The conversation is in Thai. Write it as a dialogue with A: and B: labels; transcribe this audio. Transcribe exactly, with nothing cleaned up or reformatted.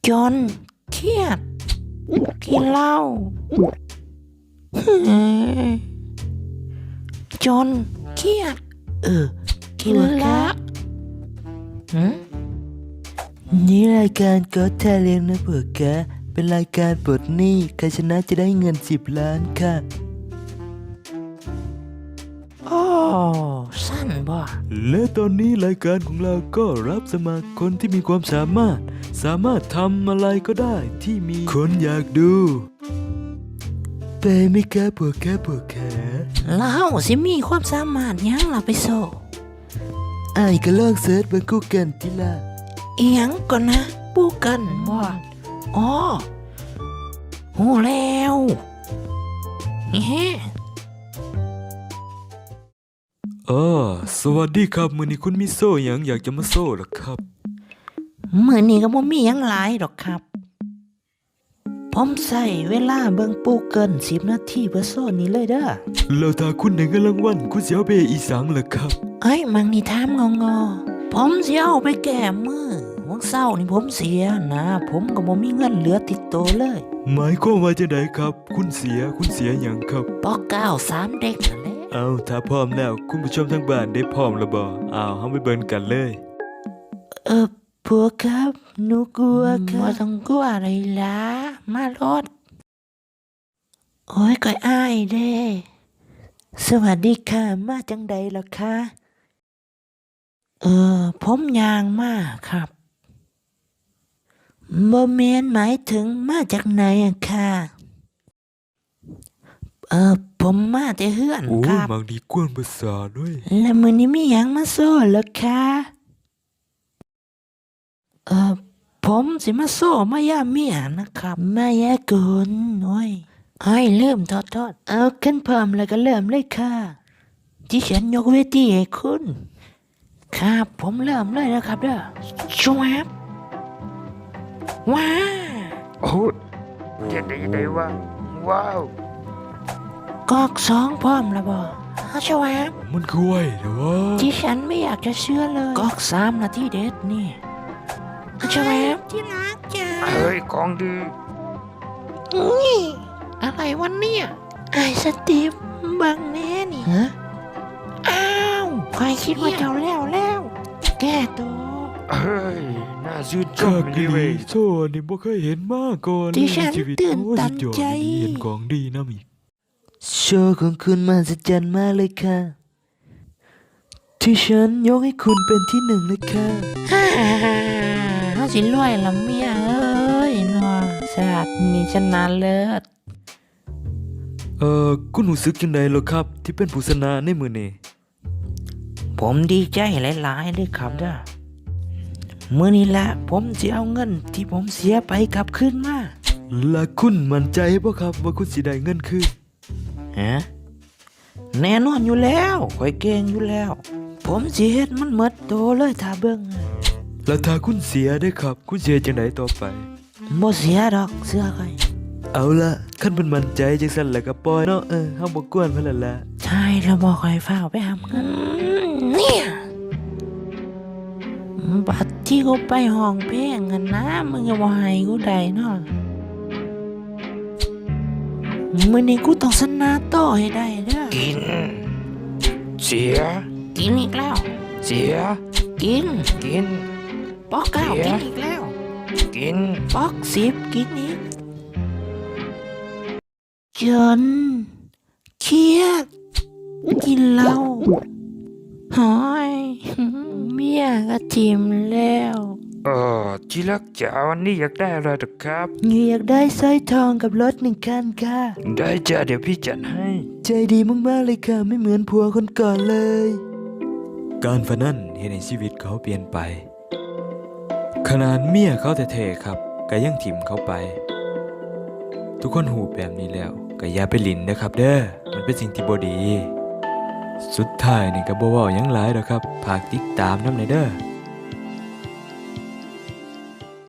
A: จนเครียดกินเหล้าจนเครียดเออกินละหืม
B: นี่รายการก็แทเลี้ยงนะเผื่อแกเป็นรายการปลดหนี้ใครชนะจะได้เงินสิบล้านค่ะ
A: โอ้สั้นบ่
B: และตอนนี้รายการของเราก็รับสมัครคนที่มีความสามารถสามารถทำอะไรก็ได้ที่มีคนอยากดูไปไหม่แกปวดแกปวดแข
A: แล้วสิมีความสามารถยังล่ะไปโซ
B: ไอ้ก็ลองเสิร์ชบนกูเกิลทีละ
A: อีหยังก่อนนะปูกันบ่อ๋อโหแล้วเฮ้
B: อ๋อสวัสดีครับมื้อนี้คุณมีโซ่หยังอยากจะมาโซ่หรอครับ
A: มื้อนี้ก็บ่มีหยังหลายดอกครับผมใช้เวลาเบิ่งปูเกินสิบนาทีเพื่อโซนนี้เลยเด้อ
B: แล้วถ้าคุณได้เงินรางวัลคุณสิเอาไปให้อีสังเหรอครับ
A: เอ้ยมังนี่ถามงองอผมสิเอาไปแก้มือวันเสาร์นี่ผมเสียนะผมก็บ่มีเงินเหลือติดตัวเลย
B: หมายความว่าจังไดครับ คุณเสียคุณเสียหยังครับ
A: ปอเก้าสามเด็กนั่นแหละ
B: เอาถ้าพร้อมแล้วคุณผู้ชมทางบ้านได้พร้อมแล้วบ่เอาเฮาไปเบิ่งกันเลย
A: เออพวกครับหนูกลัวครับบ่ต้องกลัวอะไรล่ะมารถโอ้ยก็อายเด้สวัสดีค่ะมาจังใดล่ะคะเออผมยางมาครับบ่แม่นหมายถึงมาจากไหนอะค่ะเออผมมาแต่เฮือน
B: โอ้
A: ค
B: ย
A: รับ
B: บางทีกวนภาษาด้วย
A: แล้วมื้อนี้มีหยังมาโซ่เหรอคะเออผมสิมาโซ่มายาเมียนะครับมายากลโอ้ยไอ้ยเริ่มทอดทอดเอาขึ้นพร้อมแล้วก็เริ่มเลยค่ะที่ฉันยกเวทีให้คุณครับผมเริ่มเลยนะครับเด้อชวบว้า
C: โอ้ยเจ็ดได้ได้ว่าว้าว
A: กอกสองพร้อมแล้วบ่เอาชวบ
B: มันคือไว้เด้อวะ
A: ที่ฉันไม่อยากจะเชื่อเลยกอกสามนาทีเด็ดนี่เอาชวบที่รักจ้า
C: เฮ้ยของดี
A: นี่อะไรวันเนี่ยไอ้สตีฟบังแน่นี่ฮะอ้าวใครคิดว่าเจ้าแล้วแล้ว แก้ตัว
C: เฮ้ยน่าชื่นช
B: ข้าม
C: ดี
B: ดี
C: เว้ย
B: โซ่นี่บ่เคยเห็นมาก่อน
A: ดิฉัน
B: ในชีวิต
A: ตื่น
B: โอ้ย
A: ตัน
B: สุดยอด
A: ใจ
B: ดีเห็นของดีนะมีโชว์ของคุณมหัศจรรย์มากเลยค่ะ ที่ฉันยกให้คุณเป็นที่หนึ่งเลยค่ะ
A: ฮ่าเขาสิรวยละเมียเอ้ยนัวสาดนี่ชนะเลิศ
B: เอ่อคุณรู้สึกจังไดเหรอครับ ที่เป็นผู้ชนะในมื้อนี้
A: ผมดีใจหลายๆเลยครับเด้อมื้อนี้ละผมจะเอาเงินที่ผมเสียไปกลับคืนมา
B: และคุณมั่นใจบ่ครับว่าคุณสิได้เงินคืน
A: ฮะแน่นอนอยู่แล้วข่อยเก่งอยู่แล้ว ผมสิเฮ็ดมันหมดโตเลยถ้าเบิ่ง
B: แล้วถ้าคุณเสียได้ครับ คุณเสียจังไดต่อไป
A: บ่เสียดอกเสื้อข่อย
B: เอาละคันเพิ่นมั่นใจจังซั่นแล้วก็ปล่อยเนาะเออเฮาบ่กวนเพิ่นแล้วล่ะ
A: ใช่แล้วบอกข่อยฟ้าวไปหาเงินเนี่ยบัดที่กูไปห้องเพลงกันนะมึงก็บ่ให้กูได้เนาะมื้อนี้กูต้องชนะต่อให้ได้เด้อ
C: กิน เสีย
A: กินอีกแล้ว
C: เสีย
A: กิน
C: กิน
A: ปอกเก้า
C: เสีย
A: กินอีกแล้ว
C: กิน
A: ปอกสิบกินอีกจนเครียดกินเหล้าหอยเมียก็ทิมแล้ว
C: เออที่รักจ๋าวันนี้อยากได้อะไรหรอครับ
B: อยากได้สร้อยทองกับรถหนึ่งคันค่ะ
C: ได้จ้าเดี๋ยวพี่จัดให้
B: ใจดีมากๆเลยค่ะ ไม่เหมือนผัวคนก่อนเลย การพนันเห็นในชีวิตเขาเปลี่ยนไป ขนาดเมียเขาแท้ๆครับก็ยังถิ่มเขาไป ทุกคนหูแบบนี้แล้วก็อย่าไปหลินนะครับเด้อมันเป็นสิ่งที่บ่ดี สุดท้ายนี่ก็บ่เว้าหยังหลายดอกครับฝากติดตามนำในเด้อ